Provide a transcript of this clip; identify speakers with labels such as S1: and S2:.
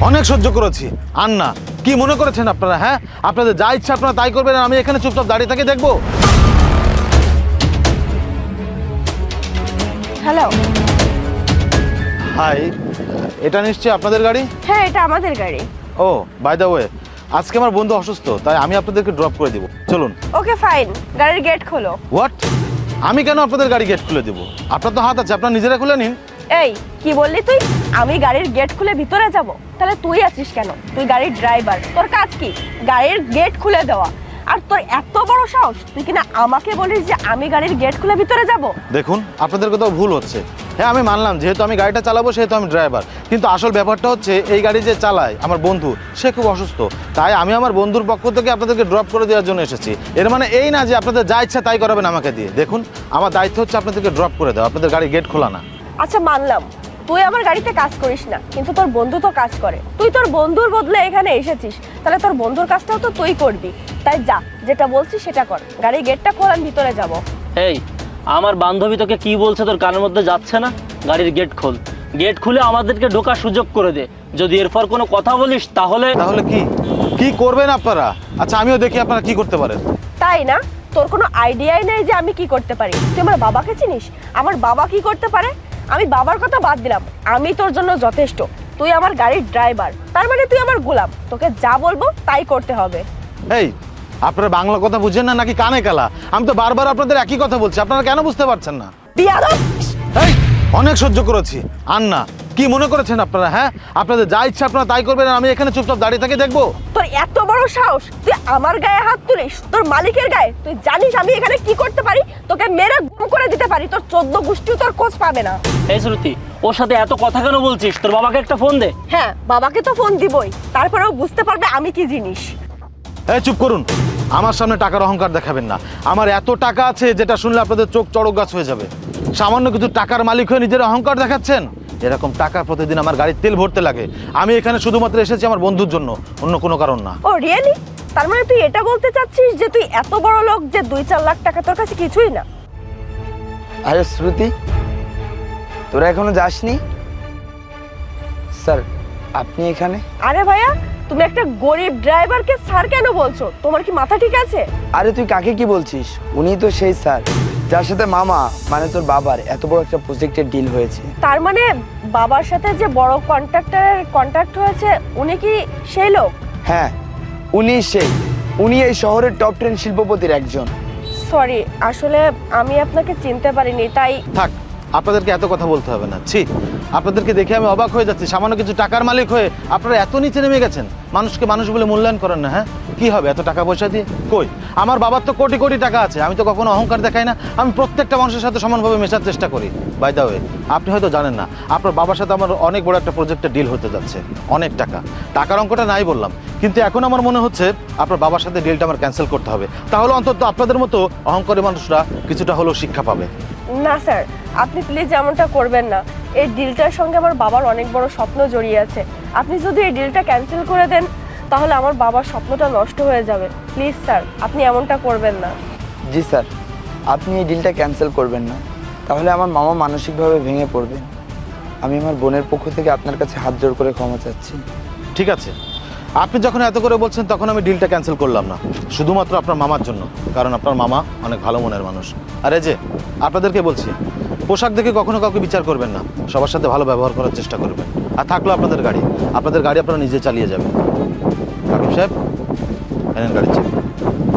S1: অনেক সহ্য করেছি। আর না, কি মনে করেছেন আপনারা? হ্যাঁ, আপনাদের যা ইচ্ছা আপনারা তাই করবেন, আমি এখানে চুপচাপ দাঁড়িয়ে থেকে দেখবো?
S2: হ্যালো।
S1: হাই, এটা নিশ্চয়ই আপনাদের গাড়ি?
S2: হ্যাঁ, এটা আমাদের গাড়ি।
S1: ও, বাই দ্য ওয়ে, আজকে আমার বন্ধু অসুস্থ, তাই আমি আপনাদেরকে ড্রপ করে দিব। চলুন।
S2: ওকে ফাইন, গাড়ির গেট খোলো।
S1: হোয়াট? আমি কেন আপনাদের গাড়ি গেট খুলে দেবো? আপনার তো হাত আছে, আপনারা নিজেরা খুলে নিন।
S2: এই কি বললি তুই? আমি গাড়ির গেট খুলে ভিতরে যাব? তাহলে তুই আছিস কেন? তুই গাড়ির ড্রাইভার, তোর কাজ কি গাড়ির গেট খুলে দেওয়া? আর তোর এত বড় সাহস, তুই কিনা আমাকে বলিস যে আমি গাড়ির গেট খুলে ভিতরে যাব?
S1: দেখুন, আপনাদের কোথাও ভুল হচ্ছে। হ্যাঁ, আমি মানলাম যেহেতু আমি গাড়িটা চালাবো সেহেতু আমি ড্রাইভার, কিন্তু আসল ব্যাপারটা হচ্ছে এই গাড়ি যে চালায় আমার বন্ধু, সে খুব অসুস্থ, তাই আমি আমার বন্ধুর পক্ষ থেকে আপনাদেরকে ড্রপ করে দেওয়ার জন্য এসেছি। এর মানে এই না যে আপনাদের যা ইচ্ছা তাই করাবেন আমাকে দিয়ে। দেখুন, আমার দায়িত্ব হচ্ছে আপনাদেরকে ড্রপ করে দেওয়া, আপনাদের গাড়ি গেট খোলা না।
S2: আচ্ছা মানলাম তুই আমার গাড়িতে কাজ করিস না, কিন্তু তোর বন্ধু তো কাজ করে। তুই তোর বন্ধুর বদলে এখানে এসেছিস, তাহলে তোর বন্ধুর কাজটাও তো তুই করবি। তাই যা, যেটা বলছিস সেটা কর। গাড়ির গেটটা খোল, আমি ভিতরে যাব।
S3: এই, আমার বান্ধবী তোকে কি বলছে তোর কানের মধ্যে যাচ্ছে না? গাড়ির গেট খোল, গেট খুলে আমাদেরকে ঢোকার সুযোগ করে দে। যদি এরপর কোনো কথা বলিস তাহলে
S1: তাহলে কি কি করবেন আপনারা? আচ্ছা, আমিও দেখি আপনারা কি করতে পারেন।
S2: তাই না? তোর কোনো আইডিয়াই নেই যে আমি কি করতে পারি। তুই আমার বাবাকে চিনিস? আমার বাবা কি করতে পারে? আমি বাবার কথা বাদ দিলাম, আমি তোর জন্য যথেষ্ট। তুই আমার গাড়ির ড্রাইভার, তার মানে তুই আমার গোলাম। তোকে যা বলবো তাই করতে হবে।
S1: এই, আপনারা বাংলা কথা বুঝেন না নাকি কানে কালা? আমি তো বারবার আপনাদের একই কথা বলছি, আপনারা কেন বুঝতে পারছেন না?
S2: বিয়াদব!
S1: এই, অনেক সহ্য করেছি। আর না, কি মনে করেছেন আপনারা? হ্যাঁ, আপনাদের যা ইচ্ছা আপনারা তাই করবেন, আমি এখানে চুপচাপ দাঁড়িয়ে থেকে দেখবো?
S2: তোর এত বড় সাহস, তুই আমার গায়ে হাত তুলিস, তোর মালিকের গায়ে। তুই জানিস আমি এখানে কি করতে পারি? তোকে মেরে গুম করে দিতে পারি, তোর 14 গোষ্ঠীও তোর খোঁজ পাবে না।
S3: এই শ্রুতি, ওর সাথে এত কথা কেন বলছিস? তোর বাবাকে একটা ফোন দে।
S2: হ্যাঁ, বাবাকে তো ফোন দিবই, তারপরেও বুঝতে পারবে আমি কি জিনিস।
S1: এই, চুপ করুন। আমার সামনে টাকার অহংকার দেখাবেন না। আমার এত টাকা আছে যেটা শুনলে আপনাদের চোখ চড়ক গাছ হয়ে যাবে। সামান্য কিছু টাকার মালিক হয়ে নিজের অহংকার দেখাচ্ছেন? এরকম টাকা প্রতিদিন আমার গাড়ির তেল ভরতে লাগে। আমি এখানে শুধুমাত্র এসেছি আমার বন্ধুর জন্য, অন্য কোনো কারণ না।
S2: Oh really? তার মানে তুই এটা বলতে চাচ্ছিস যে তুই এত বড় লোক যে 2-4 লাখ টাকা তোর কাছে কিছুই না?
S4: আরে শ্রুতি, তোরা এখনো যাসনি? স্যার, আপনি এখানে?
S2: আরে ভাইয়া, তুমি একটা গরিব ড্রাইভারকে স্যার কেন বলছো? তোমার কি মাথা ঠিক আছে?
S4: আরে তুই কাকে কি বলছিস? উনি তো সেই স্যার যার সাথে মামা মানে তোর বাবার এত বড় একটা প্রজেক্টের ডিল হয়েছে।
S2: তার মানে বাবার সাথে যে বড় কন্ট্রাক্টরের কন্ট্রাক্ট হয়েছে, উনি কি সেই লোক?
S4: হ্যাঁ, উনি এই শহরের টপ 10 শিল্পপতির একজন।
S2: সরি, আসলে আমি আপনাকে চিনতে পারিনি, তাই।
S1: থাক, আপনাদেরকে এত কথা বলতে হবে না। ছি, আপনাদেরকে দেখে আমি অবাক হয়ে যাচ্ছি। সামান্য কিছু টাকার মালিক হয়ে আপনারা এত নিচে নেমে গেছেন। মানুষকে মানুষ বলে মূল্যায়ন করেন না। হ্যাঁ, কি হবে এত টাকা পয়সা দিয়ে? কই, আমার বাবার তো কোটি কোটি টাকা আছে, আমি তো কখনো অহংকার দেখাই না। আমি প্রত্যেকটা মানুষের সাথে সমানভাবে মেশার চেষ্টা করি। বাই দ্য ওয়ে, আপনি হয়তো জানেন না, আপনার বাবার সাথে আমার অনেক বড় একটা প্রজেক্টে ডিল হতে যাচ্ছে। অনেক টাকার অঙ্কটা নাই বললাম, কিন্তু এখন আমার মনে হচ্ছে আপনার বাবার সাথে ডিলটা আমার ক্যান্সেল করতে হবে। তাহলে অন্তত আপনাদের মতো অহংকারী মানুষরা কিছুটা হলেও শিক্ষা পাবে।
S2: না স্যার, আপনি প্লিজ এমনটা করবেন না। এই ডিলটার সঙ্গে আমার বাবার অনেক বড় স্বপ্ন জড়িয়ে আছে। আপনি যদি এই ডিলটা ক্যান্সেল করে দেন তাহলে আমার বাবার স্বপ্নটা নষ্ট হয়ে যাবে। প্লিজ স্যার, আপনি এমনটা করবেন না।
S4: জি স্যার, আপনি এই ডিলটা ক্যান্সেল করবেন না, তাহলে আমার মামা মানসিকভাবে ভেঙে পড়বেন। আমি আমার বোনের পক্ষ থেকে আপনার কাছে হাত জোড় করে ক্ষমা চাচ্ছি।
S1: ঠিক আছে, আপনি যখন এত করে বলছেন তখন আমি ডিলটা ক্যান্সেল করলাম না, শুধুমাত্র আপনার মামার জন্য, কারণ আপনার মামা অনেক ভালো মনের মানুষ। আর এই যে আপনাদেরকে বলছি, পোশাক দেখে কখনো কাউকে বিচার করবেন না, সবার সাথে ভালো ব্যবহার করার চেষ্টা করবেন। আর থাকলো আপনাদের গাড়ি আপনারা নিজে চালিয়ে যাবেন। কাকিব সাহেব, এনেন গাড়ির চাবি।